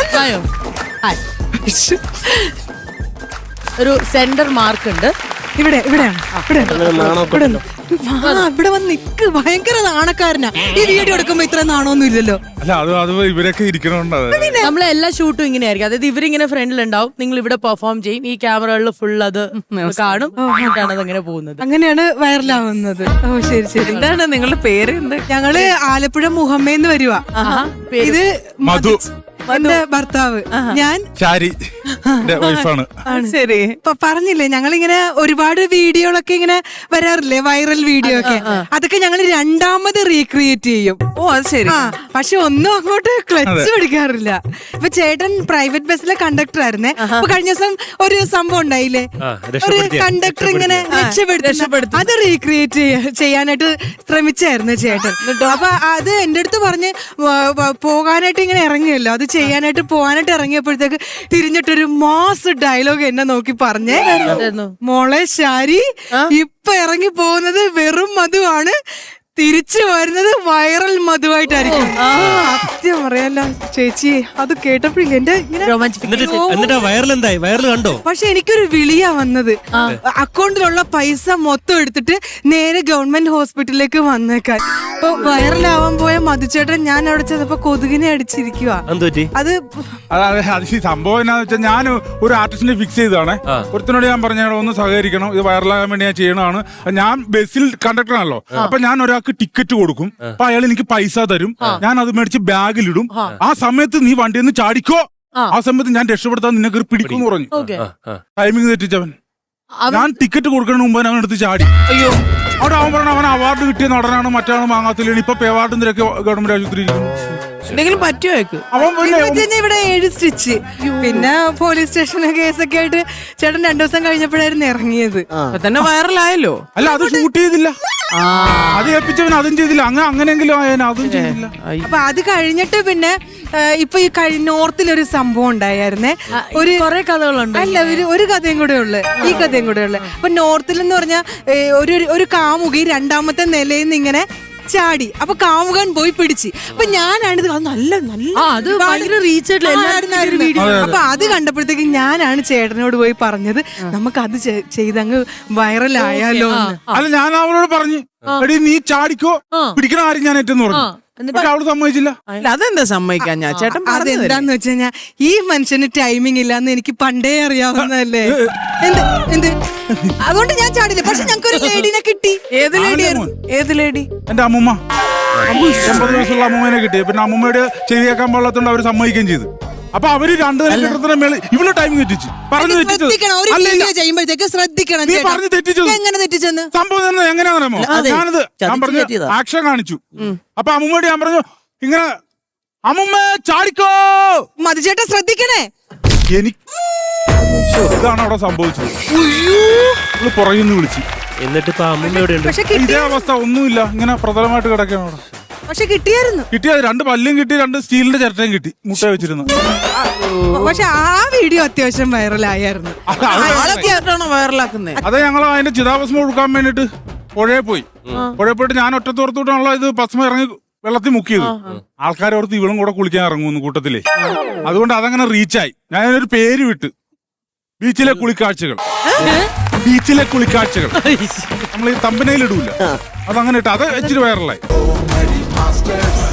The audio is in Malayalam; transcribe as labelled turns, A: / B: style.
A: ആയോ? ഒരു സെന്റർ മാർക്ക് ഉണ്ട്.
B: ഇവിടെയാണ്. ഇവിടെ വന്ന് നിക്ക്. ഭയങ്കര നാണക്കാരനാ. ഈ വീഡിയോ എടുക്കുമ്പോ ഇത്ര നാണമൊന്നും ഇല്ലല്ലോ.
C: അല്ല അത് ഇവരൊക്കെ ഇരിക്കണോണ്ട്
A: നമ്മളെ എല്ലാ ഷൂട്ടും ഇങ്ങനെ ആയിരിക്കും. അതായത് ഇവരിങ്ങനെ ഫ്രണ്ടിലുണ്ടാവും, നിങ്ങൾ ഇവിടെ പെർഫോം ചെയ്യും, ഈ ക്യാമറകളിൽ ഫുൾ അത് കാണും, എന്നിട്ടാണ് അതങ്ങനെ പോകുന്നത്.
B: അങ്ങനെയാണ് വൈറലാവുന്നത്. ഓ ശരി ശരി.
D: എന്താണ് നിങ്ങളുടെ പേര്? എന്ത്?
B: ഞങ്ങള് ആലപ്പുഴ മുഹമ്മേന്ന് വരുവാ. ഇത്
C: മധു
B: എന്റെ ഭർത്താവ്. ഞാൻ
C: ചാരി വൈഫാണ്.
D: ശരി.
B: പറഞ്ഞില്ലേ ഞങ്ങളിങ്ങനെ ഒരുപാട് വീഡിയോകളൊക്കെ ഇങ്ങനെ വരാറില്ലേ, വൈറൽ വീഡിയോ ഒക്കെ. അതൊക്കെ ഞങ്ങൾ രണ്ടാമത് റീക്രിയേറ്റ് ചെയ്യും.
D: ഓ അത് ശരി.
B: പക്ഷെ ഒന്നും അങ്ങോട്ട് ക്ലച്ച് പിടിക്കാറില്ല. ഇപ്പൊ ചേട്ടൻ പ്രൈവറ്റ് ബസ്സിലെ കണ്ടക്ടർ ആയിരുന്നേ. അപ്പൊ കഴിഞ്ഞ ദിവസം ഒരു സംഭവം ഉണ്ടായില്ലേ, ഒരു കണ്ടക്ടർ ഇങ്ങനെ രക്ഷപ്പെടുത്തി, അത് റീക്രിയേറ്റ് ചെയ്യാനായിട്ട് ശ്രമിച്ചായിരുന്നു ചേട്ടൻ. അപ്പൊ അത് എന്റെ അടുത്ത് പറഞ്ഞ് പോകാനായിട്ട് ഇങ്ങനെ ഇറങ്ങിയല്ലോ, അത് ചെയ്യാനായിട്ട് പോകാനായിട്ട് ഇറങ്ങിയപ്പോഴത്തേക്ക് തിരിഞ്ഞിട്ടൊരു മാസ് ഡയലോഗ് എന്നെ നോക്കി പറഞ്ഞേ, മോളെ ശാരി ഇപ്പൊ ഇറങ്ങി പോകുന്നത് വെറും മധുവാണ്, തിരിച്ചു വരുന്നത് വൈറൽ മധുവായിട്ടായിരിക്കും. സത്യം പറയാലോ ചേച്ചി, അത് കേട്ടപ്പോഴില്ല എന്റെ
E: വൈറൽ കണ്ടോ?
B: പക്ഷെ എനിക്കൊരു വിളിയാ വന്നത്. അക്കൗണ്ടിലുള്ള പൈസ മൊത്തം എടുത്തിട്ട് നേരെ ഗവൺമെന്റ് ഹോസ്പിറ്റലിലേക്ക് വന്നേക്കാൻ. ഇപ്പൊ വൈറലാവാൻ പോയ മധുചേട്ടൻ ഞാൻ അവിടെ ചെന്നപ്പോ കൊതുകിനെ അടിച്ചിരിക്കുക. അത്
C: സംഭവം എന്നാന്ന് വെച്ചാൽ ഞാൻ ഒരു ആർട്ടിസ്റ്റിനെ ഫിക്സ് ചെയ്തതാണ്. ഒരുത്തിനോട് ഞാൻ പറഞ്ഞ ഒന്ന് സഹകരിക്കണം, ഇത് വൈറലാകാൻ വേണ്ടി ഞാൻ ചെയ്യണതാണ്. ഞാൻ ബസ്സിൽ കണ്ടക്ടറാണല്ലോ, അപ്പൊ ഞാൻ ഒരാൾക്ക് ടിക്കറ്റ് കൊടുക്കും, അപ്പൊ അയാൾ എനിക്ക് പൈസ തരും, ഞാൻ അത് മേടിച്ച് ബാഗിലിടും. ആ സമയത്ത് നീ വണ്ടിയിൽ നിന്ന് ചാടിക്കോ, ആ സമയത്ത് ഞാൻ രക്ഷപ്പെടുത്താൻ നിന്നെ പിടിക്കും എന്ന് പറഞ്ഞു. ടൈമിങ് തെറ്റിച്ചവൻ. ഞാൻ ടിക്കറ്റ് കൊടുക്കണ മുമ്പ് അവൻ എടുത്ത് ചാടി. അയ്യോ, അവിടെ അവൻ പറഞ്ഞ അവൻ അവാർഡ് കിട്ടിയ നടനാണ്, മറ്റാണ് വാങ്ങാത്തില്ല, ഇപ്പൊ അവാർഡ് നിരക്ക് ഗവൺമെന്റ് ആശുപത്രി
D: എന്തെങ്കിലും പറ്റുമോ?
B: ഇവിടെ 7 സ്റ്റിച്ച്, പിന്നെ പോലീസ് സ്റ്റേഷന് കേസൊക്കെ ആയിട്ട് ചേട്ടൻ 2 ദിവസം കഴിഞ്ഞപ്പോഴായിരുന്നു ഇറങ്ങിയത്.
D: തന്നെ വൈറലായല്ലോ.
C: അല്ല, അത് ഷൂട്ട് ചെയ്തില്ല, അത് ഏൽപ്പിച്ചവൻ അതും ചെയ്തില്ല. അങ്ങനെയെങ്കിലും അതും ചെയ്തില്ല.
B: അപ്പൊ അത് കഴിഞ്ഞിട്ട് പിന്നെ ഇപ്പൊ ഈ നോർത്തിലൊരു സംഭവം ഉണ്ടായിരുന്നേ. ഒരു
A: കുറെ കഥകളുണ്ട്.
B: അല്ല, ഒരു കഥയും കൂടെ ഉള്ളു, ഈ കഥയും കൂടെ ഉള്ളു. അപ്പൊ നോർത്തിൽ എന്ന് പറഞ്ഞാൽ ഒരു കാമുകി 2ാമത്തെ നിലയിൽ നിന്ന് ഇങ്ങനെ ചാടി. അപ്പൊ കാമുകൻ പോയി പിടിച്ച്. അപ്പൊ ഞാനാണിത് നല്ല വീഡിയോ. അപ്പൊ അത് കണ്ടപ്പോഴത്തേക്ക് ഞാനാണ് ചേട്ടനോട് പോയി പറഞ്ഞത്, നമുക്ക് അത് ചെയ്തങ്ങ് വൈറലായാലോ.
C: അല്ല, ഞാൻ അവളോട് പറഞ്ഞു, എടി നീ ചാടിക്കോ, പിടിക്കണ ആരും ഞാൻ ഏറ്റെന്ന് പറഞ്ഞു. പക്ഷെ അവള് സമ്മതിച്ചില്ല.
D: അതെന്താ സമ്മതിക്കാൻ? ഞാൻ ചേട്ടൻ
B: അതെന്താന്ന് വെച്ച് കഴിഞ്ഞാ ഈ മനുഷ്യന് ടൈമിംഗ് ഇല്ലാന്ന് എനിക്ക് പണ്ടേ അറിയാവുന്നതല്ലേ. എന്ത് അതുകൊണ്ട് ഞാൻ ചാടില്ല. പക്ഷെ ഞങ്ങൾക്ക് ഒരു ലേഡിനെ കിട്ടി.
D: ഏത് ലേഡി?
C: എന്റെ അമ്മൂമ്മ. 80 വയസ്സുള്ള അമ്മൂമ്മനെ കിട്ടി. പിന്നെ അമ്മൂമ്മയുടെ ചെവിയേക്കാൻ പാടില്ലാത്തോണ്ട് അവര് സമ്മതിക്കുകയും ചെയ്തു. അപ്പൊ അവര് 2 നില മേളിൽ ഇവള് ടൈം തെറ്റിച്ചു. പറഞ്ഞു
B: ചെയ്യുമ്പോഴത്തേക്ക് ശ്രദ്ധിക്കണം.
C: നീ പറഞ്ഞു തെറ്റിച്ചു.
B: എങ്ങനെ തെറ്റിച്ചെന്ന്
C: സംഭവം എങ്ങനെയാണെന്നോ, ഞാനത് ഞാൻ പറഞ്ഞു ആക്ഷൻ കാണിച്ചു. അപ്പൊ അമ്മൂമ്മയോട് ഞാൻ പറഞ്ഞു, ഇങ്ങനെ അമ്മൂമ്മ ചാടിക്കോ,
B: മധുചേട്ടൻ ശ്രദ്ധിക്കണേ.
C: ഇതാണ് അവിടെ സംഭവിച്ചത്. പുറകിൽ നിന്ന് വിളിച്ചു.
E: എന്നിട്ട് ഇപ്പൊ അമ്മൂമ്മയോടെ
C: ഇതേ അവസ്ഥ ഒന്നുമില്ല, ഇങ്ങനെ പ്രതലമായിട്ട് കിടക്കുകയാണ് അവിടെ.
B: പക്ഷെ കിട്ടിയായിരുന്നു.
C: കിട്ടിയത് 2 പല്ലും കിട്ടി, 2 സ്റ്റീലിന്റെ ചിരട്ടയും കിട്ടി, മുട്ട വെച്ചിരുന്നു.
B: പക്ഷെ ആ വീഡിയോ അത്യാവശ്യം വൈറലായിരുന്നു.
D: വൈറലാക്കുന്നത്.
C: അതെ, ഞങ്ങൾ അതിന്റെ ചിതാഭസ്മം കൊടുക്കാൻ വേണ്ടിട്ട് പുഴയിൽ പോയി. പുഴയിൽ പോയിട്ട് ഞാൻ ഒറ്റത്തോർത്തോട്ടാണല്ലോ ഇത് ഭസ്മം ഇറങ്ങി വെള്ളത്തിൽ മുക്കിയത്. ആൾക്കാരോർത്ത് ഇവളും കൂടെ കുളിക്കാൻ ഇറങ്ങുന്നു കൂട്ടത്തിലേ. അതുകൊണ്ട് അതങ്ങനെ റീച്ചായി. ഞാനൊരു പേര് വിട്ട്, ബീച്ചിലെ കുളിക്കാഴ്ചകൾ. ബീച്ചിലെ കുളിക്കാഴ്ചകൾ നമ്മൾ ഈ തമ്പനയിൽ ഇടൂല, അതങ്ങനെ ഇട്ട് അത് ഇച്ചിരി വൈറലായി.